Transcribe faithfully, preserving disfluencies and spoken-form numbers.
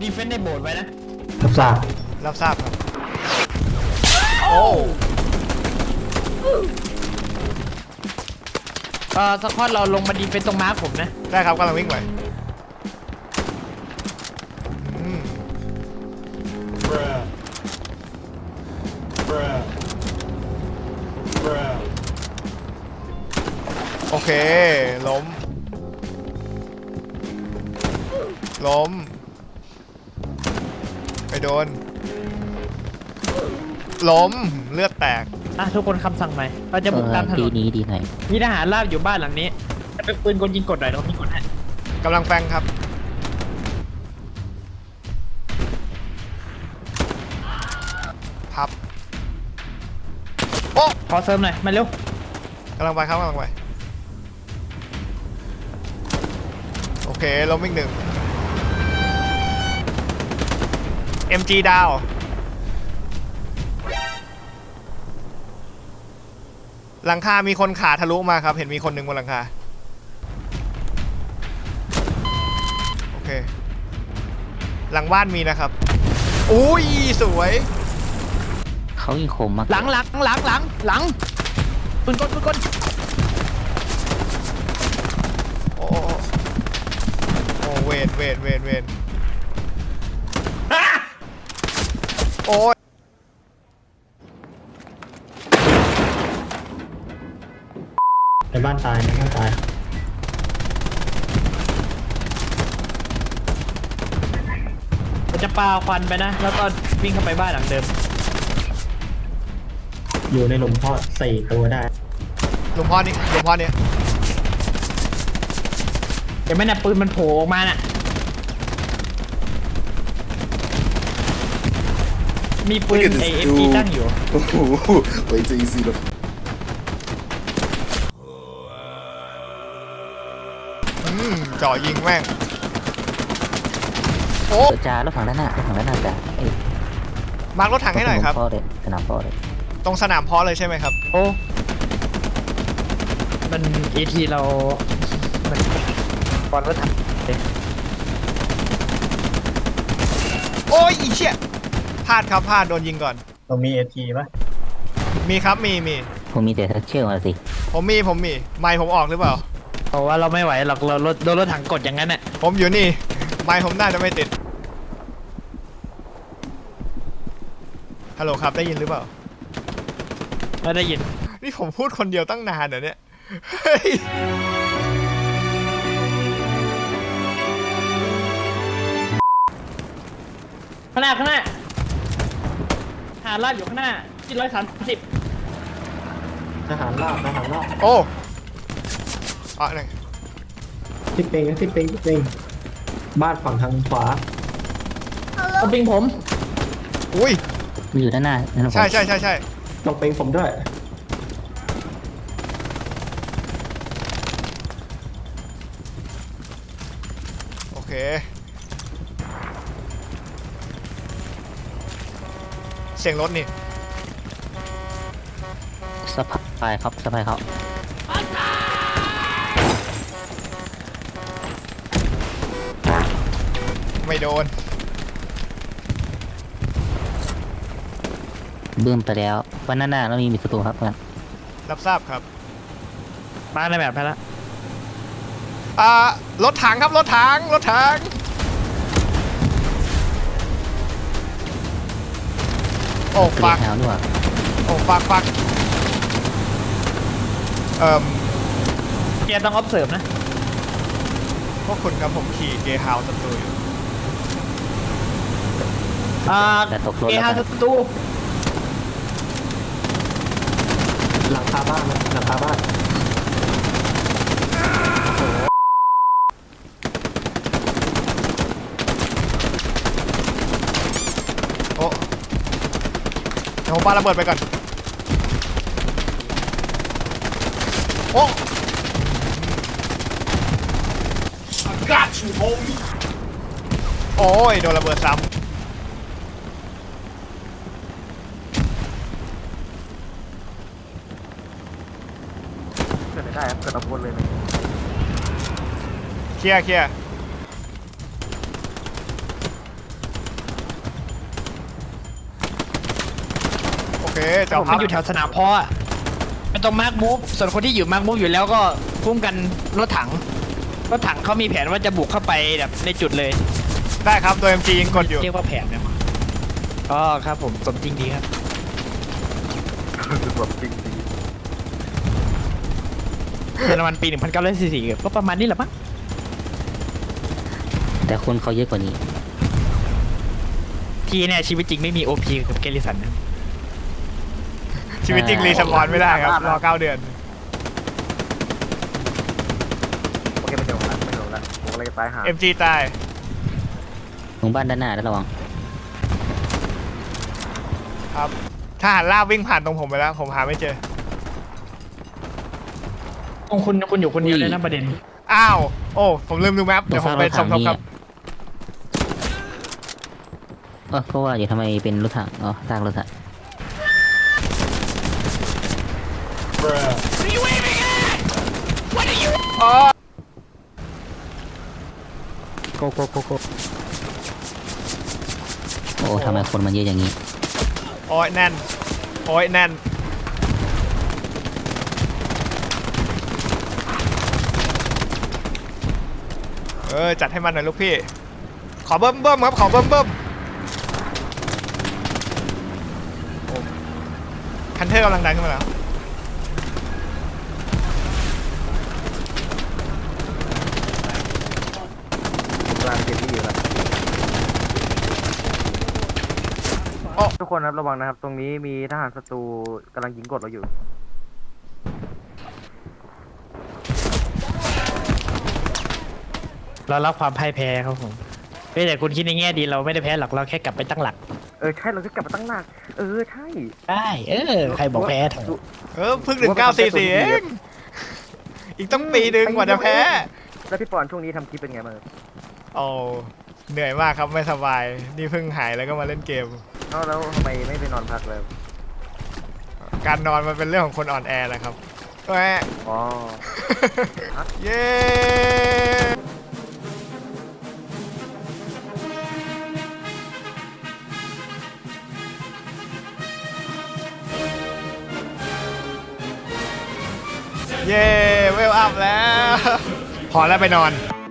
ดีเฟนส์ในโบสถ์ไว้นะรับทราบรับทราบครับโอ้เออสควอตเราลงมาดีเฟนส์ตรงม้าผมนะได้ครับกำลังวิ่งไปโอเคล้มล้มไปโดนล้มเลือดแตกอ่ะทุกคนคำสั่งใหม่เราจะบุกตามถนนนี้ดีไหนมีทหารราบอยู่บ้านหลังนี้จะเป็นปืนกลยิงกดหน่อยเรายิงกดให้กำลังแฟงครับพับโอ้ขอเสริมหน่อยมาเร็วกำลังไปครับกำลังไปโอเคล้มอีกหนึ่ง เอ็ม จี ดาวหลังคามีคนขาทะลุมาครับเห็นมีคนหนึ่งบนหลังคาโอเคหลังบ้านมีนะครับอุ้ยสวยเขายิงคมมากหลังหลังหลังหลังหลังปืนกลปืนกลโอ้โอ้เวทเวทเวทเวทโอ้ยในบ้านตายในบ้านตายเราจะปาควันไปนะแล้วก็วิ่งเข้าไปบ้านหลังเดิมอยู่ในหลุมเพาะสี่ตัวได้หลุมพ่อนี่หลุมพ่อนี่เดี๋ยวไม่น่ะปืนมันโผล่ออกมาน่ะมีปืนไอเอ็มจีตั้งอยู่ไว้จะอีซีเลยจ่อยิงแม่งโอ้จ่ารถถังด้านหน้ารถถังด้านหน้าจ่าเอ้ยมาร์ครถถังให้หน่อยครับพ่อเลยสนามพ่อเลยตรงสนามพ่อเลยใช่ไหมครับโอ้มันเอทีเรามันบอลรถถังโอ้ยอีเชี่ยพลาดครับพลาดโดนยิงก่อนเรามีเอทีป่ะมีครับมีมีผมมีแต่เชื่อมาสิผมมีผมมีไมค์ผมออกหรือเปล่าเพราะว่าเราไม่ไหวหรอกเราโดนรถถังกดอย่างนั้นน่ะผมอยู่นี่ไมค์ผมน่าจะไม่ติดฮัลโหลครับได้ยินหรือเปล่าไม่ได้ยินนี่ผมพูดคนเดียวตั้งนานเหรอเนี่ยข้างหน้าข้างหน้าทหารราบอยู่ข้างหน้าที่ร้อยสามสิบทหารราบทหารราบโอ้อะไหนทิปเปงทิปเปงทิปเปงบ้านฝั่งทางขวาต้องปิงผมอุ้ยมีอยู่ด้านหน้าใช่ใช่ใช่ใช่ต้องเป็นผมด้วยโอเคเสียงรถนี่สะพายครับสะพายเขาไม่โดนเบื้องไปแล้ววันหน้าเรามีมีศัตรูครับเพื่อนรับทราบครับมาในแบบไปแล้วอ่ารถถังครับรถถังรถถังโอ้ฟักโอ้ฟักฟักเอ่อเกียร์ต้อง observe นะพวกคุณครับผมขี่เกย์ฮาวศัตรูอยู่อ่าเกย์ฮาวศัตรูหลังคาบ้านนะหลังคาบ้านโอ้เดี๋ยวผมปาระเบิดไปก่อนโอ้ Got you, homie โอ้ยโดนระเบิดซ้ำได้ครับเกิดอาวุธเลยนะเคลียร์เคลียร์จอผมพัมับนอยู่แถวสนามเพาะอะเป็นตรงมาร์กมูฟส่วนคนที่อยู่มาร์กมูฟอยู่แล้วก็คุ้มกันรถถังรถถังเขามีแผนว่าจะบุกเข้าไปแบบในจุดเลยได้ครับตัว เอ็ม จี ยิงกดอยู่เรียกว่าแผนนะอ๋อครับผมสมจริงดีครับแบบจริงดีเยอรมันปีหนึ่งพันเก้าร้อยสี่สิบก็ประมาณนี้แหละมั้งแต่คนเขาเยอะกว่านี้ทีเนี่ยชีวิตจริงไม่มีโอพีกับเกลิสันนะชีวิตจริงรีสปอนไม่ได้ครับ รอเก้าเดือนโอเคไม่เดี๋ยวละไม่เดี๋ยวละผมกำลังจะตายหาเอ็ม จี ตายตรงบ้านด้านหน้าระวังครับทหารลาบวิ่งผ่านตรงผมไปแล้ว ผมหาไม่เจอคุณคุณคุณอยู่คนเดียวเลยนะประเด็นอ้าว โอ้ ผมลืมดูแมปตรเดี๋ยงวผซาม กไปรถสถัมงทบนี่ครับเออก็ว่าอยู่ทำไมเป็นรถถังอ๋อซากรถถังอ๋อโกโกโกโกโอ้ทำไมคนมันเยอะอย่างนี้โอ้ยแน่น โอ้ยแน่น เออ จัดให้มันหน่อยลูกพี่ ขอเบิ้มเบิ้มครับ ขอเบิ้มเบิ้มโอ้คันเทอร์กำลังดันขึ้นมาแล้วกลางเกมที่อยู่แล้วทุกคนครับระวังนะครับ ตรงนี้มีทหารศัตรูกำลังยิงกดเราอยู่เรารับความพ่ายแพ้ครับผมเฮ้ยแต่คุณคิดในแง่ดีเราไม่ได้แพ้หรอกเราแค่กลับไปตั้งหลักเออใช่เราจะกลับมาตั้งหลักเออใช่ได้เออใครบอกแพ้เถอะเออเพิ่งถึงเก้าสี่สี่เอง อีกต้องปีหนึ่งกว่าจะแพ้แล้วพี่ปอนช่วงนี้ทำคลิปเป็นไงบ้างโอ้เหนื่อยมากครับไม่สบาย นี่เพิ่งหายแล้วก็มาเล่นเกมเอ้าแล้วทำไมไม่ไปนอนพักเลยการนอนมันเป็นเรื่องของคนอ่อนแอนะครับแหวะอ๋อเย้เย้เวลอัพแล้ว พอแล้วไปนอน